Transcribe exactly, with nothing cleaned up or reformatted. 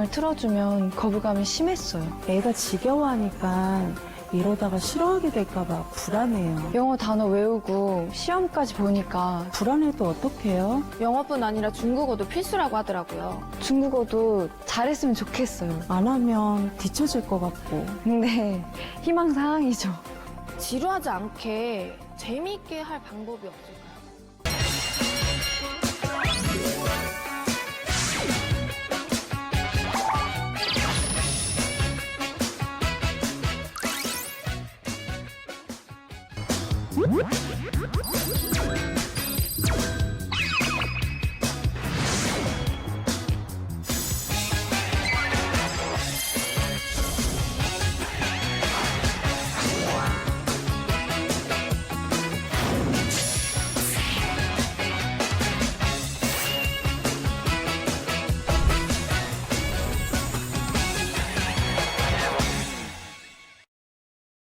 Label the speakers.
Speaker 1: 음악을 틀어주면 거부감이 심했어요.
Speaker 2: 애가 지겨워하니까 이러다가 싫어하게 될까봐 불안해요.
Speaker 1: 영어 단어 외우고 시험까지 보니까
Speaker 2: 불안해도 어떡해요?
Speaker 3: 영어뿐 아니라 중국어도 필수라고 하더라고요.
Speaker 1: 중국어도 잘했으면 좋겠어요.
Speaker 2: 안 하면 뒤처질 것 같고.
Speaker 1: 근데 희망사항이죠.
Speaker 3: 지루하지 않게 재미있게 할 방법이 없을까요?
Speaker 4: What?